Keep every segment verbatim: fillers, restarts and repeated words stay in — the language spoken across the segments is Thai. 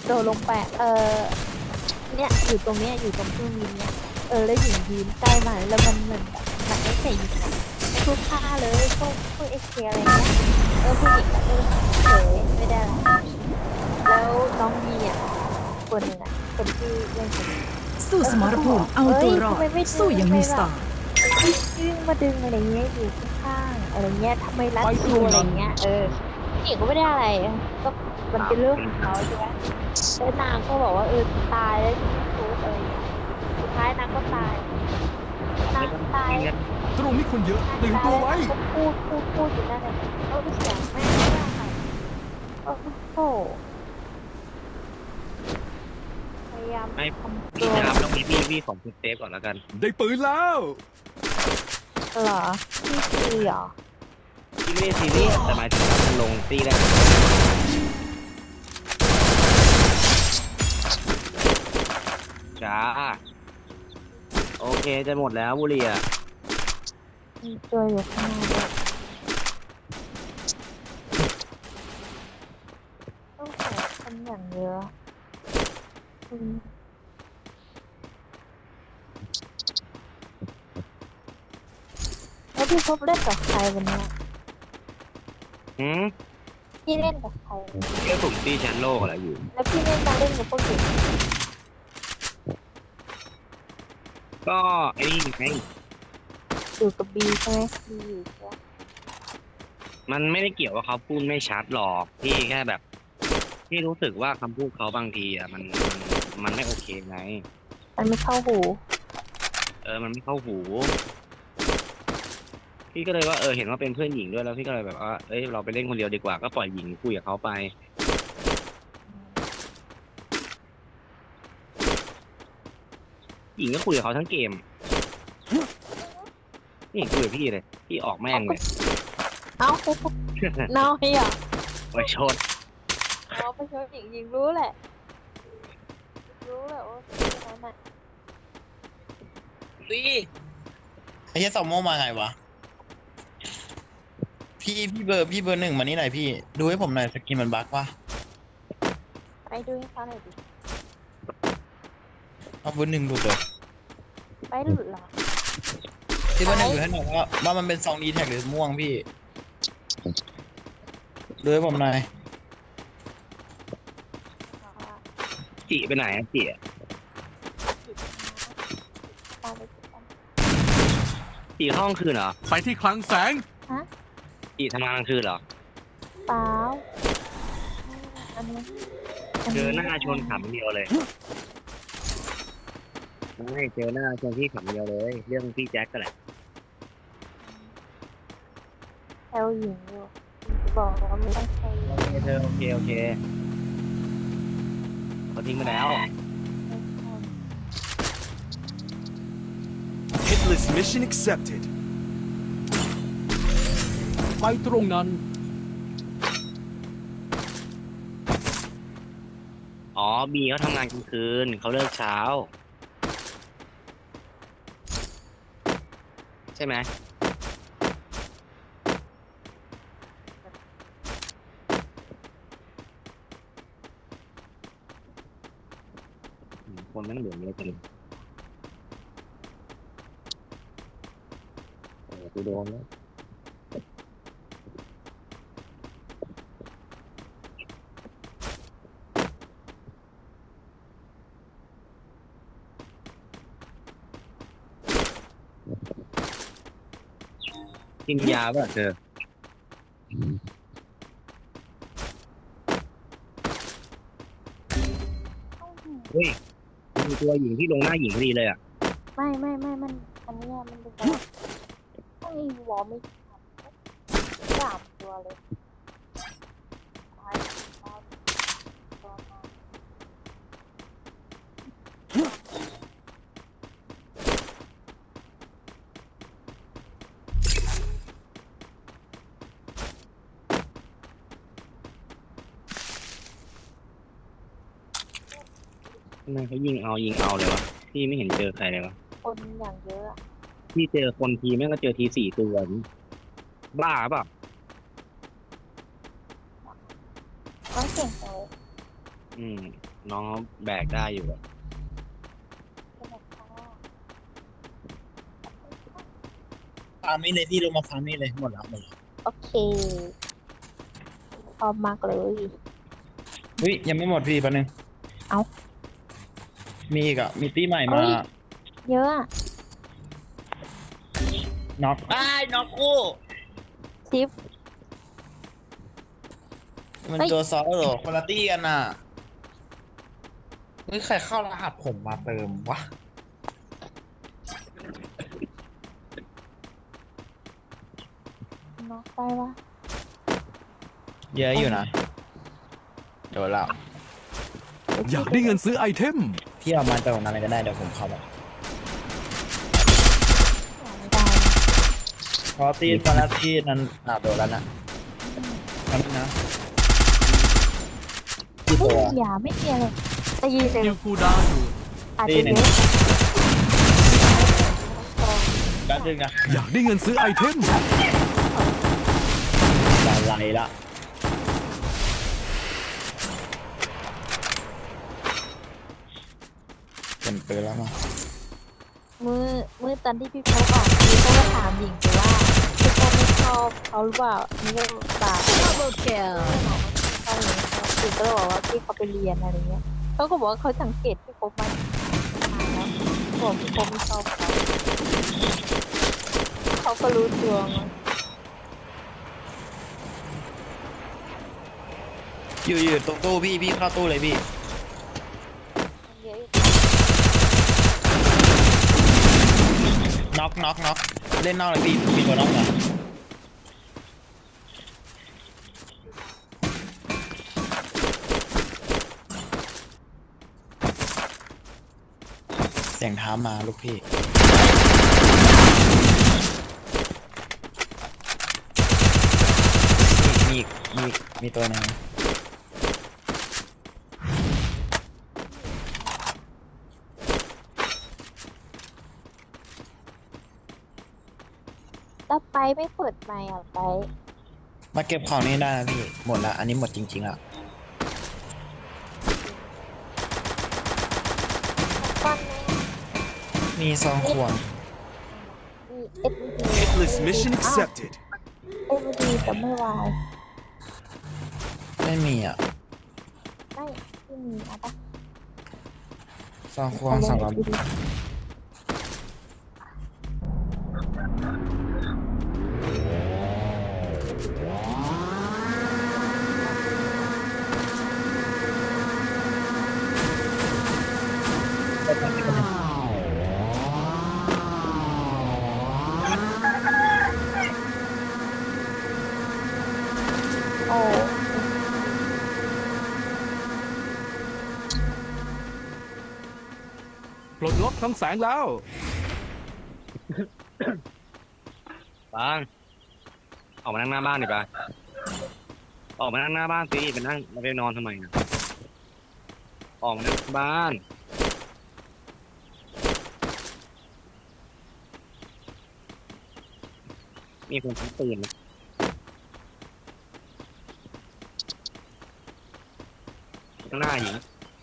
โดดลงไปเออเนี่ยอยู่ตรงเนี้ยอยู่ตรงเครื่องบินเนี่ยเออแล้วหญิงยืนใกล้มาแล้วมันเหมือนแบบมันไม่ใส่หญิงอะทุกท่าเลยพวกพวกเอเชียอะไรเงี้ยเออผู้หญิงก็เออเฉยไม่ได้อะไรแล้วน้องบีอ่ะคนหนึ่งอ่ะคนที่เล่นคนนี้สู้สมรภูมิเอาตัวรอดสู้อย่างมีสไตล์วิ่งมาดึงอะไรเงี้ยอยู่ข้างๆอะไรเงี้ยทำไมรัดคิวอะไรเงี้ยเออผู้หญิงก็ไม่ได้อะไรก็มันเป็นเรื่องของเขาใช่ไหมแล้วนางก็บอกว่าเออตายแล้วที่ทุกอะไรเงี้ยสุดท้ายนางก็ตายนางตายตรงนี้คนเยอะตื่นตัวไว้ก็พูดพูดพูดอยู่นั่นแหละเออเสียงไม่ไม่ได้ค่ะโอ้โหพยายามไม่ทำตัพี่วนะครับต้องมีพี่พี่ของคุณเซฟก่อนแล้วกันได้ปืนแล้วเหรอพี่ซีเหรอพี่ไม่ได้ซีเรียสแต่หมายถึงว่ามันลงตีได้จ้าโอเคจะหมดแล้วบุรีอ่ะมีตัวอยู่ข้างหน้าด้วยต้องใส่คนอย่างเยอะอืมแล้วพี่พบเล่นกับใครวันเนี้ยหืมพี่เล่นกับใครเรื่องผมตีแชมป์โลกอะไรอยู่แล้วพี่เล่นมาเล่นกับพวกเด็กก็ไอ้นี่ไงอยู่กับบีใช่ไหมบีอยู่ใช่ไหมมันไม่ได้เกี่ยวว่าเขาพูดไม่ชัดหรอกพี่แค่แบบพี่รู้สึกว่าคำพูดเขาบางทีอ่ะมันมันมันไม่โอเคไงมันไม่เข้าหูเออมันไม่เข้าหู พี่ก็เลยว่าเออเห็นว่าเป็นเพื่อนหญิงด้วยแล้วพี่ก็เลยแบบว่าเอ้ยเราไปเล่นคนเดียวดีกว่าก็ปล่อยหญิงคุยกับเขาไปหญิงก็คุยกับเขาทั้งเกมนี่คุยกับพี่เลยพี่ออกแม่งเลยเอ้าเนาให้เหรอไปชดเอาไปชวนหญิงหญิงรู้แหละรู้แหละว่าเป็นนั้นน่ะสิไอ้เหี้ยสองโมงมาไงวะ พี่พี่เบอร์พี่เบอร์หนึ่งมานี่หน่อยพี่ ดูให้ผมหน่อยสกินมันบั๊กวะไปดูให้เขาหน่อยดิเอาเบอร์หนึ่งดูเลยไปหลุดเหรอพี่เบอร์หนึ่งดูให้หน่อยว่าว่ามันเป็นซองดีแท็กหรือม่วงพี่ ดูให้ผมหน่อยจีไปไหนอะจีอะตามไปติดตามจีห้องคืนเหรอไปที่คลังแสงจีทำงานกลางคืนเหรอเปล่าอันนี้เจอหน้าชนขำเดียวเลยไม่เจอหน้าชนพี่ขำเดียวเลย เรื่องพี่แจ็คก็แหละแอลหญิงอยู่จะบอกว่าไม่ต้องใช้โอเคเธอโอเคโอเคเขาทิ้งไปแล้ว Hitless mission accepted ไปตรงนั้นอ๋อบีเขาทำงานกลางคืนเขาเลิกเช้า ใช่ไหมอืมคนนั้นเหลืองเยอะจังโอ้โหกูโดนแล้วกินยาป่ะเธอเฮ้ยมีตัวหญิงที่ลงหน้าหญิงพอดีเลยอ่ะไม่ไม่ไม่มันอันเนี้ยมันเป็นแบบไม่วอร์ไม่สามตัวเลยตายตายตัวมาทำไมเขายิงเอายิงเอาเลยวะพี่ไม่เห็นเจอใครเลยวะคนอย่างเยอะอะพี่เจอคนทีแม่งก็เจอทีสี่ตัวนี่บ้าเปล่ะน้องเก่งจังเลยอืม น้องแบกได้อยู่อะฟาร์มนี่เลยพี่ลงมาฟาร์มนี่เลยหมดแล้วหมดแล้วโอเคพร้อมมากเลยเฮ้ยยังไม่หมดพี่แป๊บนึงเอ้ามีอีกอ่ะมีตี้ใหม่เฮ้มายเยอะอะน็อกอ้ายน็อกคู่ชิปมันเฮ้ยตัวซอสเหรอคนละตี้กันน่ะเฮ้ยใครเข้ารหัสผมมาเติมวะน็อกได้ปะเยอะอยู่นะเดี๋ยวเราอยากได้เงินซื้อไอเทมพี่เอามาจากตรงนั้นเลยก็ได้เดี๋ยวผมเข้ามาไม่ได้เพราะตี้คนละตี้นั้นอ่ะโดนแล้วนะนั่นนะที่เฮ้ตัยว อย่าไม่มีอะไรตีเลยยิวคูลดาวน์อยู่อาจจะเยอะแป๊บนึงนะอยากได้เงินซื้อไอเทมอะไรละเป็นปืนแล้วมั้งมือมือตอนที่พี่โพกออกพี่โพกก็ถามหญิงไปว่าพี่โพกไม่ชอบเขาหรือเปล่านี่ก็ตา Double kill เขาเลยหญิงก็เลยบอกว่าพี่เขาไปเรียนอะไรเงี้ยเขาก็บอกว่าเขาสังเกตพี่โพกมานานแล้วบอกพี่โพกไม่ชอบเขาเขาก็รู้ตัวมั้งอยู่อยู่ตรงตู้พี่พี่เข้าตู้เลยพี่มันเยอะอยู่น็อกน็อกน็อกเล่นนอกเลยพี่มีตัวน็อกเหรอเสียงเท้ามาลูกพี่มีมีมีมีตัวหนึงแล้วไปไม่เปิดไมค์อ่ะไปมาเก็บของนี่ได้นะพี่หมดละอันนี้หมดจริงๆอ่ะปั้นไหมมีซองควงมีเอ็ดวี Hitless mission accepted เอ็ดวีแต่ไม่วายไม่มีอ่ะไม่ไม่มีเอาปะซองควงสองร้อยโอ้ปลดล็อกคลังแสงแล้วบาง ออกมานั่งหน้าบ้านดิปะออกมานั่งหน้าบ้านสิไปนั่งมาไปนอนทำไมนะออกมานั่งบ้าน มีคนทิ้งปืนนะข้างหน้าหญิง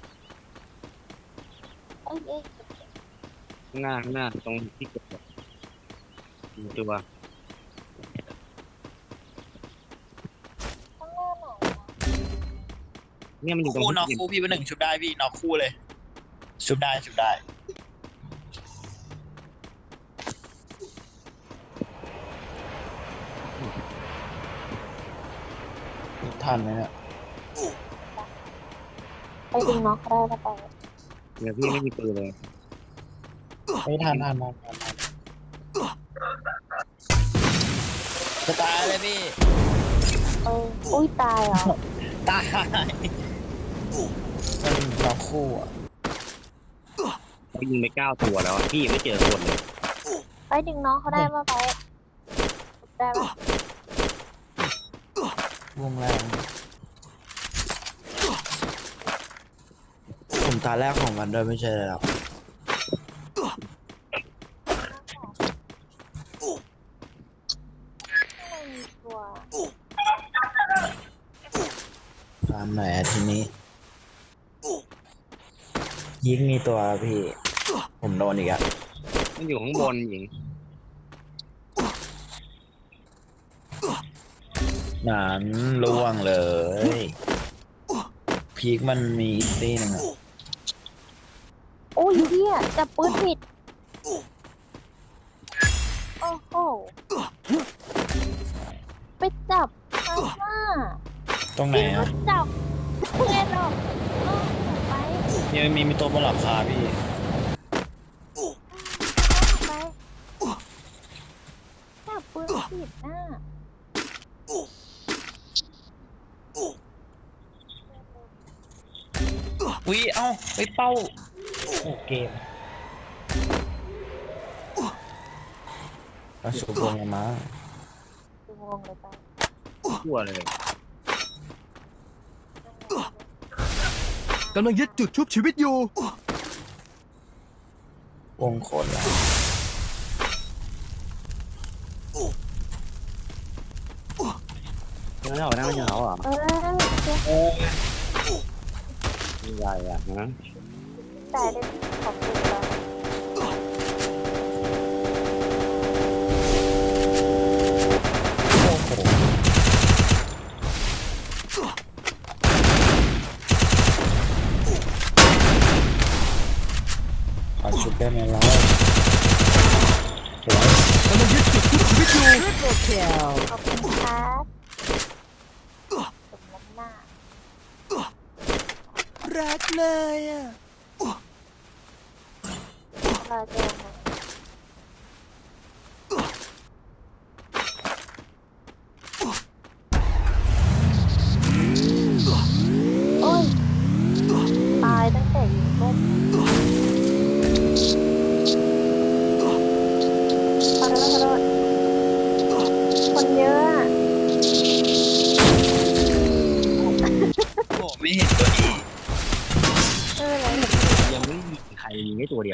เอ้ยเอ้ยข้างหน้าข้างหน้าตรงที่เกิดเหตุมีตัวข้างหน้าหน่อยเนี่ยมันอยู่ตรงคู่ที่น็อกเกิดคู่พี่เป็นหนึ่งชุบได้พี่น็อกคู่เลยชุบได้ชุบได้ทันไหมเนี่ยไปดึงน็อกก็ได้แล้วไปเดี๋ยวพี่ไม่มีปืนเลยไม่ทันทันทันทันทันจะตายเลยพี่เอออุ้ยตายเหรอตายมันน็อกคู่อ่ะเขายิงไปเก้าตัวแล้วอะพี่ยังไม่เจอคนเลยไปดึงน้องเขาได้ปะไปได้ปะวงแรงผมตาแรกของมันด้วยไม่ใช่หรอไม่มีตัวตามไหนอะทีนี้ยิงมีตัวพี่ ผมโดนอีกอะมันอยู่ข้างบนหญิงหนานล่วงเลย พีกมันมีอีกตี้หนึงอะโอ้ยเฮียจับปืนผิดโอ้โหไปจับมาว่าตรงไหนพี่ก็อะจับเพื่อนหรอกเออไปยังมีมีตัวบนหลังคาพี่ไปจับปืนผิดน่ะอุ้ยเอ้าไปเป้าโอ้เกมมาสูบลงมาดูงงเลยไปทั่วเลยกำลังยึดจุดชุบชีวิตอยู่วงขนละยังไม่ออกได้ไม่ใช่เขาเหรอเออเจ๊ไม่ใหญ่อะนะแต่ได้ขอบคุณเราโอ้โหขอชุบได้ไหมล่ะสวยกำลังยึดจุดชุบชีวิตอยู่ขอบคุณครับสมน้ำหน้ารักเลยอ่ะเราเจอกันโอ้ยตายตั้งแต่อยู่ก้มขอโทษขอโทษคนเยอะอะโอ้ไม่เห็นตัวนี้เอออะไรยังไม่มีใครยิงได้ตัวเดียว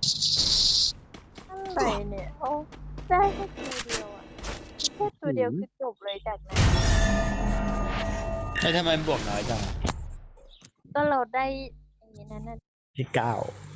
อะไรเนี่ยโอ้ได้แค่ตัวเดียวอ่ะแค่ตัวเดียวคือจบเลยจากนั้นไม่ทำไมบวกน้อยจังก็เราได้อย่างนี้นั่นน่ะที่เก้า